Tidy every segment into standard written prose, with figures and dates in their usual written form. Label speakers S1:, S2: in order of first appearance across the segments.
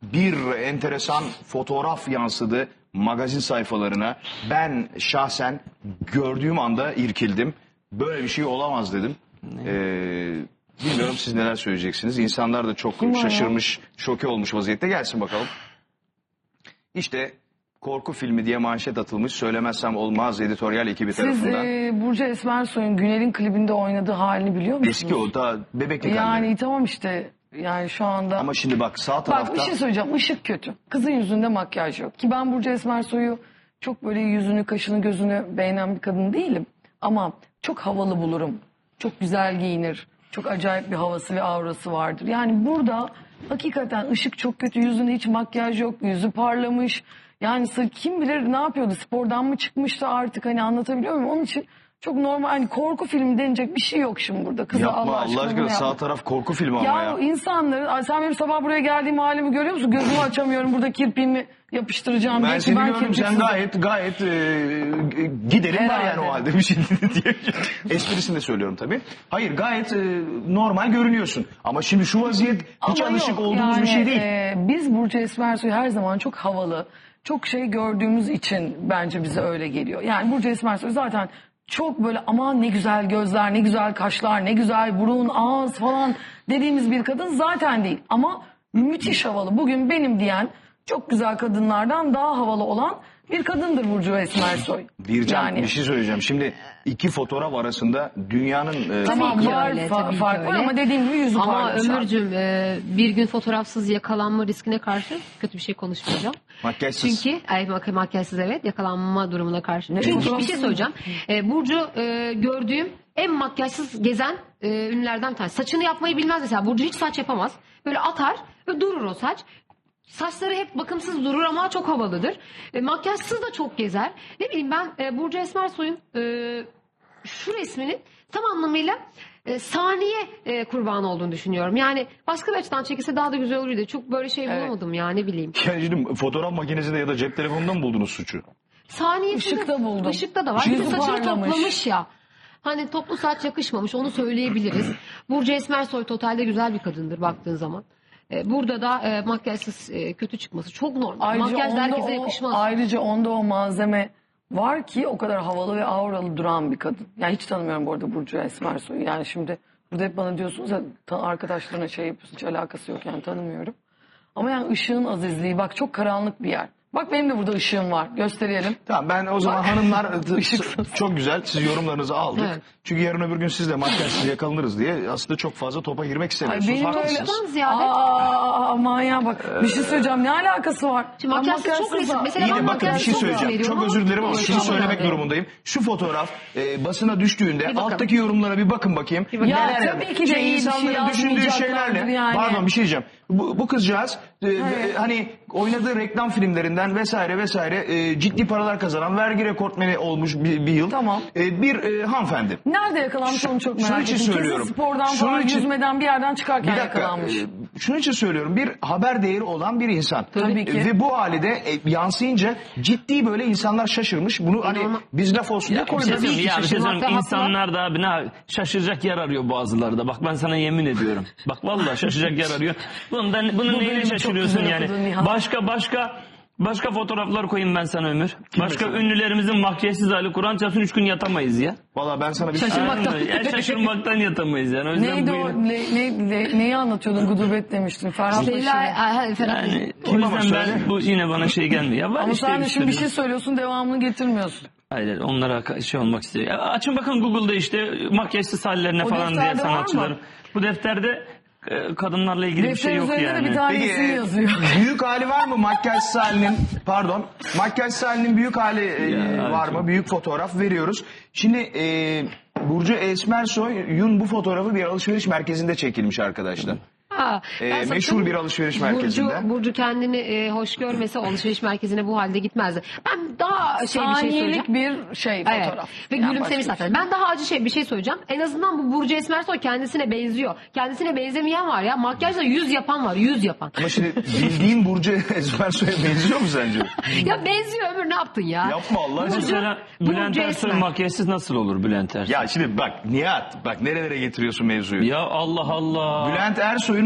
S1: bir enteresan fotoğraf yansıdı magazin sayfalarına. Ben şahsen gördüğüm anda irkildim. Böyle bir şey olamaz dedim. Bilmiyorum siz neler söyleyeceksiniz. İnsanlar da çok şaşırmış, şoke olmuş vaziyette. Gelsin bakalım. İşte korku filmi diye manşet atılmış. Söylemezsem olmaz editoryal ekibi tarafından.
S2: Siz Burcu Esmersoy'un Günel'in klibinde oynadığı halini biliyor musunuz?
S1: Eski o da bebeklik halleri.
S2: Yani tamam işte. Yani şu anda...
S1: Ama şimdi bak sağ tarafta...
S2: Bak bir şey söyleyeceğim. Işık kötü. Kızın yüzünde makyaj yok. Ki ben Burcu Esmersoy'u çok böyle yüzünü, kaşını, gözünü beğenen bir kadın değilim. Ama çok havalı bulurum. Çok güzel giyinir. Çok acayip bir havası ve aurası vardır. Yani burada hakikaten ışık çok kötü. Yüzünde hiç makyaj yok. Yüzü parlamış. Yani kim bilir ne yapıyordu? Spordan mı çıkmıştı artık, hani anlatabiliyor muyum? Onun için çok normal, hani korku filmi denecek bir şey yok şimdi burada. Kızı
S1: Yapma Allah aşkına sağ taraf korku filmi ama ya.
S2: Ya insanları, sen benim sabah buraya geldiğim halimi görüyor musun? Gözümü açamıyorum, burada kirpiğimi yapıştıracağım.
S1: Ben seni gördüm, sen gayet giderim var yani o halde bir şey diye. Esprisini de söylüyorum tabii. Hayır, gayet normal görünüyorsun. Ama şimdi şu vaziyet hiç alışık olduğumuz
S2: yani,
S1: bir şey değil.
S2: Biz Burcu Esmersoy'u her zaman çok havalı, çok şey gördüğümüz için bence bize öyle geliyor. Yani Burcu Esmersoy zaten çok böyle aman ne güzel gözler, ne güzel kaşlar, ne güzel burun, ağız falan dediğimiz bir kadın zaten değil. Ama müthiş havalı. Bugün benim diyen çok güzel kadınlardan daha havalı olan bir kadındır Burcu Esmersoy.
S1: Bircan
S2: Yani.
S1: bir şey söyleyeceğim. Şimdi iki fotoğraf arasında dünyanın...
S2: Tamam var fark var ama dediğim gibi yüzü
S3: ama
S2: parlamış.
S3: Ömürcüğüm bir gün fotoğrafsız yakalanma riskine karşı kötü bir şey konuşmayacağım.
S1: Makyajsız.
S3: Çünkü makyajsız evet, yakalanma durumuna karşı. Çünkü bir şey söyleyeceğim. Burcu gördüğüm en makyajsız gezen ünlülerden bir tanesi. Saçını yapmayı bilmez mesela. Burcu hiç saç yapamaz. Böyle atar ve durur o saç. Saçları hep bakımsız durur ama çok havalıdır. Makyajsız da çok gezer. Ne bileyim ben Burcu Esmersoy'un şu resminin tam anlamıyla saniye kurbanı olduğunu düşünüyorum. Yani başka bir açıdan çekilse daha da güzel olurdu. Çok böyle şey bulamadım ya, ne bileyim.
S1: Yani şimdi fotoğraf makinesinde ya da cep telefonunda mı buldunuz suçu?
S3: Saniyesinde.
S2: Işıkta buldum.
S3: Işıkta da var. Bir de
S2: Yüzü
S3: saçını
S2: parlamış.
S3: toplamış ya. Hani toplu saç yakışmamış, onu söyleyebiliriz. Burcu Esmersoy totalde güzel bir kadındır baktığın zaman. Burada da makyajsız kötü çıkması çok normal. Makyaj da herkese yakışmaz.
S2: Ayrıca onda o malzeme var ki o kadar havalı ve auralı duran bir kadın. Yani hiç tanımıyorum bu arada Burcu Esmersoy'u. Yani şimdi burada hep bana diyorsunuz ya arkadaşlarına şey yapıyorsun, hiç alakası yok yani, tanımıyorum. Ama yani ışığın azizliği, bak çok karanlık bir yer. Bak benim de burada ışığım var. Gösterelim.
S1: Tamam, ben o zaman hanımlar çok güzel, siz yorumlarınızı aldık.
S3: Evet.
S1: Çünkü yarın öbür gün siz de makyajsız yakalanırız diye aslında çok fazla topa girmek istemiyorsunuz.
S2: Benim
S1: Haklısınız.
S3: Toptan ziyade.
S2: Aman ya bak bir şey söyleyeceğim, ne alakası var?
S3: Şimdi makyajsız çok resim. Mesela
S1: İyi
S3: ben
S1: de bakın bir
S3: makyajsız
S1: şey
S3: çok
S1: söyleyeceğim.
S3: veriyorum
S1: Çok
S3: ama
S1: özür dilerim ama şunu
S3: tamam,
S1: söylemek
S3: evet.
S1: durumundayım. Şu fotoğraf basına düştüğünde
S3: bakalım.
S1: alttaki yorumlara bir bakın bakayım.
S2: Ya
S1: Neler
S2: tabii ki de iyi bir şey
S1: insanların düşündüğü
S2: yazmayacaklardır
S1: şeylerle.
S2: yani.
S1: Pardon, bir şey diyeceğim. Bu kızcağız hani oynadığı reklam filmlerinden vesaire ciddi paralar kazanan, vergi rekortmeni olmuş bir yıl.
S2: Tamam.
S1: Bir hanımefendi.
S2: Nerede yakalanmış onu çok
S1: Şunun
S2: merak
S1: için
S2: ettim.
S1: söylüyorum.
S2: Kesin spordan
S1: Şunun
S2: falan
S1: için-
S2: yüzmeden bir yerden çıkarken
S1: Bir dakika,
S2: yakalanmış.
S1: şunun için söylüyorum, bir haber değeri olan bir insan.
S2: Tabii ki.
S1: Ve bu halde yansıyınca ciddi böyle insanlar şaşırmış. Bunu hani biz laf olsun diye koymuyoruz.
S3: Tabii ki
S4: Ya bir şey söyleyeyim,
S3: şaşırmakta
S4: insanlar da abi şaşıracak yer arıyor bazıları da. Bak ben sana yemin ediyorum. Bak vallahi şaşıracak yer arıyor. Bunun
S2: Bu
S4: neyine
S2: bölümü çok
S4: şaşırıyorsun
S2: güzel
S4: yani?
S2: okudun Nihan.
S4: Başka fotoğraflar koyayım ben sana Ömür. Başka
S1: mesela?
S4: ünlülerimizin makyajsız hali, Kur'an çarpsın 3 gün yatamayız ya.
S1: Valla ben sana bir
S3: Şaşırmaktan.
S4: Şaşırmaktan yatamayız yani. O yüzden
S2: Neydi
S4: bu
S2: o?
S4: yine-
S2: Neyi anlatıyordun? Gudubet demiştin. Ferhat Paşa'yı.
S4: Yani o
S1: Kim ama
S4: yüzden
S1: söyle?
S4: bu yine bana şey gelmiyor. Ya var
S2: Ama
S4: işte
S2: sen de şimdi bir
S4: sürü.
S2: şey söylüyorsun, devamını getirmiyorsun.
S4: Hayır, onlara şey olmak istiyor. Ya açın bakın Google'da işte makyajsız hallerine
S2: O
S4: falan diye
S2: defterde var mı?
S4: sanatçıların. Bu defterde kadınlarla ilgili bir
S2: Defter
S4: şey yok
S2: üzerinde de
S4: yani.
S2: bir tane
S1: Peki,
S2: isim yazıyor.
S1: büyük hali var mı makyajsız halinin? Pardon. Makyajsız halinin büyük hali
S4: Ya,
S1: var
S4: çok-
S1: mı? Büyük fotoğraf veriyoruz. Şimdi Burcu Esmersoy'un bu fotoğrafı bir alışveriş merkezinde çekilmiş arkadaşlar.
S3: Ben
S1: Meşhur
S3: sakın
S1: bir alışveriş merkezinde.
S3: Burcu kendini hoş görmese alışveriş merkezine bu halde gitmezdi. Ben daha bir şey söyleyeceğim.
S2: Saniyelik bir şey
S3: Evet.
S2: fotoğraf.
S3: Ve
S2: Yani
S3: gülümsemiş
S2: başka
S3: zaten. Ben daha acı bir şey söyleyeceğim. En azından bu Burcu Esmersoy kendisine benziyor. Kendisine benzemeyen var ya. Makyajla yüz yapan var. Yüz yapan.
S1: Ama şimdi bildiğin Burcu Esmersoy'a benziyor mu sence?
S3: Ya benziyor Ömür, ne yaptın ya?
S1: Yapma Allah aşkına.
S4: Mesela Bülent
S3: Burcu
S4: Ersoy
S3: Esmer.
S4: makyajsız nasıl olur Bülent Ersoy?
S1: Ya şimdi bak Nihat, bak nerelere getiriyorsun mevzuyu.
S4: Ya Allah Allah.
S1: Bülent Ersoy'un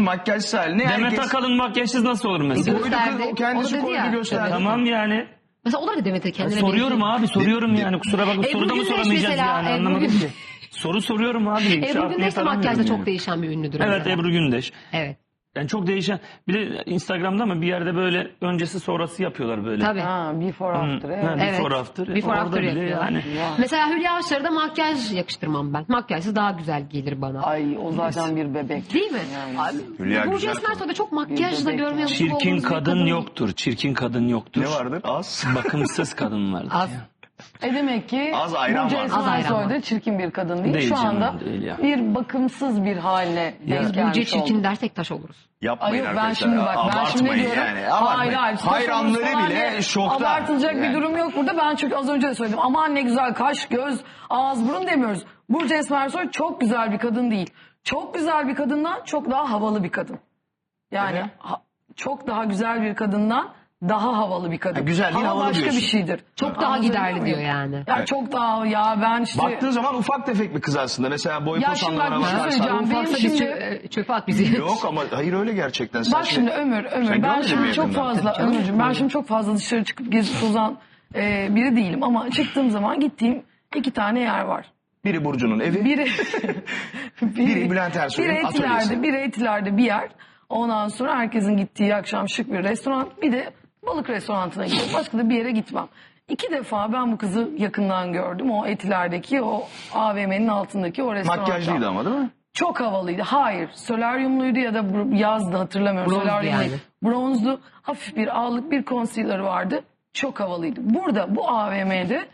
S1: makyajsız halini
S4: Demet
S1: herkes
S4: Akalın makyajsız nasıl olur mesela?
S1: koydu,
S3: Gösterdi.
S1: o kendisi
S3: O da dedi
S1: koydu
S3: ya.
S1: gösterdi.
S4: Tamam yani.
S3: Mesela o da Demet'e kendine
S4: Soruyorum
S3: benziyor.
S4: abi soruyorum yani kusura bakma soruda mı
S3: Gündeş
S4: soramayacağız
S3: mesela,
S4: yani
S3: Ebru
S4: anlamadım
S3: Gündeş.
S4: ki. Soru soruyorum abi.
S3: Ebru
S4: Şarkıyı
S3: Gündeş de
S4: falan
S3: makyajda
S4: bilmiyorum.
S3: çok değişen bir ünlüdür.
S4: Evet
S3: mesela.
S4: Ebru Gündeş.
S3: Evet.
S4: Yani çok değişen. Bir de Instagram'da mı bir yerde böyle öncesi sonrası yapıyorlar böyle.
S3: Tabii.
S2: Ha, before after. Evet.
S4: Ha, before after.
S3: Before
S4: Orada
S3: after
S4: bile
S3: yapıyorlar.
S4: yani.
S3: Mesela Hülya Avşar'a da makyaj yakıştırmam ben. Makyajsız daha güzel gelir bana.
S2: Ay o zaten bir bebek.
S3: Değil mi?
S2: Yani.
S3: Abi,
S1: Hülya
S3: Burcu
S1: güzel
S3: Esmersoy'da çok makyajla
S2: bebek
S3: görmeye
S2: yani.
S3: alışık
S4: Çirkin
S3: olduğumuz bir
S4: kadın yoktur. Çirkin kadın yoktur.
S1: Ne vardır? Az.
S4: Bakımsız kadın vardır.
S3: Az.
S2: Demek ki
S1: Az ayran
S2: Burcu
S1: var.
S3: Az ayran
S2: Esmersoy
S3: var.
S2: da çirkin bir kadın değil.
S4: Değil
S2: Şu
S4: canım,
S2: anda
S4: değil ya.
S2: bir bakımsız bir haline denk
S3: Burcu'ya
S2: gelmiş
S3: çirkin
S2: oldu.
S3: dersek taş oluruz.
S1: Yapmayın
S2: Ay yok, ben
S1: arkadaşlar.
S2: şimdi bak ben şimdi
S1: Abartmayın
S2: diyorum.
S1: yani. Abartmayın.
S2: Hayır.
S1: Hayranları
S2: falan
S1: bile
S2: diye
S1: şokta.
S2: Abartılacak
S1: Yani.
S2: bir durum yok burada. Ben çünkü az önce de söyledim. Aman ne güzel kaş, göz, ağız, burun demiyoruz. Burcu Esmersoy çok güzel bir kadın değil. Çok güzel bir kadından çok daha havalı bir kadın. Yani
S1: Evet.
S2: çok daha güzel bir kadından daha havalı bir kadın.
S1: Ha, güzel değil,
S2: Hava
S1: havalı
S2: başka
S1: diyorsun.
S2: bir şeydir.
S3: Çok daha
S2: Anlatabiliyor
S3: giderli
S2: muyum?
S3: diyor yani.
S2: Ya
S1: Evet.
S2: çok daha ya ben işte...
S1: Baktığın zaman ufak tefek bir kız aslında. Mesela boy
S2: Ya
S1: pos
S2: şimdi bak
S1: anlamına
S2: bir şey
S1: bakarsan.
S2: söyleyeceğim. Benim
S3: Ufaksa
S2: şimdi-
S3: çöpe at bizi.
S1: Yok ama hayır öyle gerçekten. Sen
S2: Bak şimdi Ömür
S1: Sen
S2: ben
S1: görmedin mi
S2: şimdi çok
S1: yakından?
S2: fazla Ömürcüğüm ben şimdi çok fazla dışarı çıkıp gezip tozan biri değilim ama çıktığım zaman gittiğim 2 tane yer var.
S1: Biri Burcu'nun evi.
S2: Biri
S1: Biri Bülent Ersoy'un atölyesi.
S2: Biri Etiler'de bir yer. Ondan sonra herkesin gittiği akşam şık bir restoran. Bir de balık restoranına gidiyorum. Başka da bir yere gitmem. 2 defa ben bu kızı yakından gördüm. O Etiler'deki o AVM'nin altındaki o restoranda.
S1: Makyajlıydı ama değil mi?
S2: Çok havalıydı. Hayır. Solaryumluydu ya da yazdı hatırlamıyorum.
S3: Bronzdu
S2: Solaryumluydu.
S3: yani.
S2: Bronzdu. Hafif bir ağlık bir concealer vardı. Çok havalıydı. Burada bu AVM'de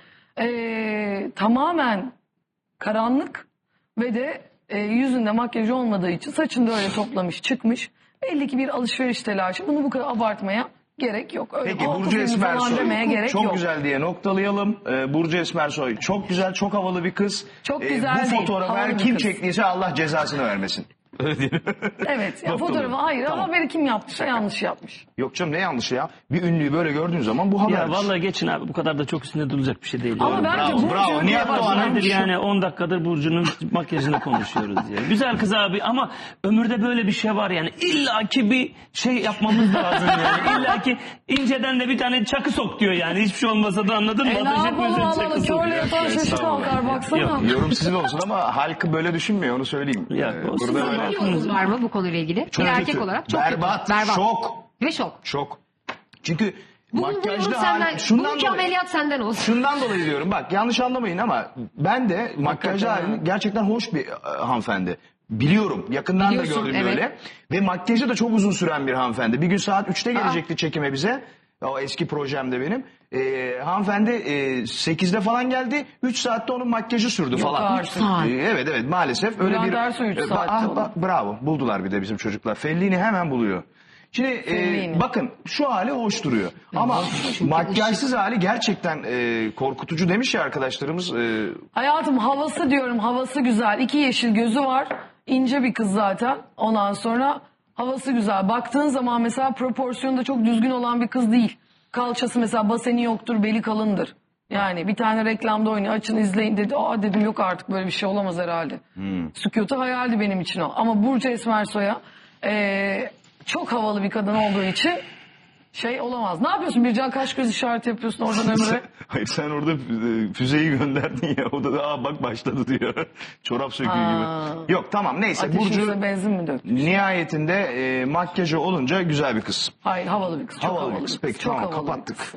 S2: tamamen karanlık ve de yüzünde makyaj olmadığı için saçını da öyle toplamış çıkmış. Belli ki bir alışveriş telaşı. Bunu bu kadar abartmaya gerek yok. Öyle
S1: Peki
S2: altı
S1: Burcu
S2: filmi falan
S1: Esmersoy
S2: demeye gerek
S1: çok
S2: yok.
S1: güzel diye noktalayalım. Burcu Esmersoy çok güzel, çok havalı bir kız.
S2: Çok güzel
S1: Bu
S2: değil,
S1: fotoğrafı
S2: havalı
S1: her
S2: bir
S1: kim
S2: kız.
S1: çektiyse Allah cezasını vermesin.
S2: Evet. Ya
S1: Noktalayalım.
S2: fotoğrafı hayır
S1: Tamam.
S2: ama haberi kim yaptıysa yanlış yapmış.
S1: Yok canım ne yanlışı ya. Bir ünlüyü böyle gördüğün zaman bu haber.
S4: Ya vallahi geçin abi bu kadar da çok üstünde durulacak bir şey değil.
S2: Ama
S4: Yani.
S2: bence
S1: bravo,
S2: Burcu
S1: bravo.
S2: öyle
S1: Nihat
S2: başlamış.
S1: Doğan'ın
S4: Nedir yani 10 dakikadır Burcu'nun makyajını konuşuyoruz ya. Güzel kız abi ama ömürde böyle bir şey var yani. İlla ki bir şey yapmamız lazım yani. İlla ki inceden de bir tane çakı sok diyor yani. Hiçbir şey olmasa da anladın mı?
S2: Ne
S4: Ateş
S2: yapalım
S4: etmiyorsan
S2: Allah'ım
S4: çakı sok.
S2: körle yatan şaşı kalkar baksana.
S4: Yok,
S1: Yorum sizin olsun ama halkı böyle düşünmüyor onu söyleyeyim.
S4: Ya, olsun.
S1: Burada
S3: Sizin
S1: böyle
S3: bir yorumunuz var mı bu konuyla ilgili?
S1: çok
S3: bir erkek
S1: kötü.
S3: olarak çok
S1: berbat,
S3: kötü. Berbat.
S1: şok,
S3: Ve şok.
S1: şok. Çünkü
S3: Bu yorum
S1: makyajda
S3: senden,
S1: şundan
S3: bugünkü
S1: dolayı.
S3: ameliyat senden olsun.
S1: Şundan dolayı diyorum bak yanlış anlamayın ama ben de makyajlı halini gerçekten hoş bir hanımefendi. Biliyorum yakından
S3: Biliyorsun,
S1: da gördüm
S3: evet.
S1: böyle. Ve makyajı da çok uzun süren bir hanımefendi. Bir gün saat 3'te gelecekti çekime bize. O eski projemde benim. Hanımefendi 8'de falan geldi. 3 saatte onun makyajı sürdü falan.
S2: artık.
S3: 3 saat.
S1: Evet maalesef öyle
S2: Bülent
S1: bir...
S2: Ersoy 3 saatte olan.
S1: bravo buldular bir de bizim çocuklar. Fellini hemen buluyor. Şimdi
S2: Fellini.
S1: bakın şu hali hoş duruyor. Ama makyajsız hali gerçekten korkutucu demiş ya arkadaşlarımız.
S2: Hayatım havası diyorum havası güzel. 2 yeşil gözü var. İnce bir kız zaten. Ondan sonra havası güzel. Baktığın zaman mesela proporsiyonu da çok düzgün olan bir kız değil. Kalçası mesela baseni yoktur, beli kalındır. Yani bir tane reklamda oynuyor açın izleyin dedi. Aa dedim yok artık böyle bir şey olamaz herhalde. Sükutu hayaldi benim için o. Ama Burcu Esmersoy'a çok havalı bir kadın olduğu için şey olamaz. Ne yapıyorsun? Bircan kaş göz işareti yapıyorsun oradan Ömür'e.
S1: Hayır sen orada füzeyi gönderdin ya. O da bak başladı diyor. Çorap söküğü gibi. Yok tamam neyse.
S2: Ateşinize
S1: Burcu
S2: benzin mi döktü?
S1: nihayetinde makyajı olunca güzel bir kız.
S2: Hayır havalı bir kız. Çok
S1: Havalı bir kız. Peki
S2: Çok
S1: tamam
S2: havalı bir
S1: kapattık.
S2: kız.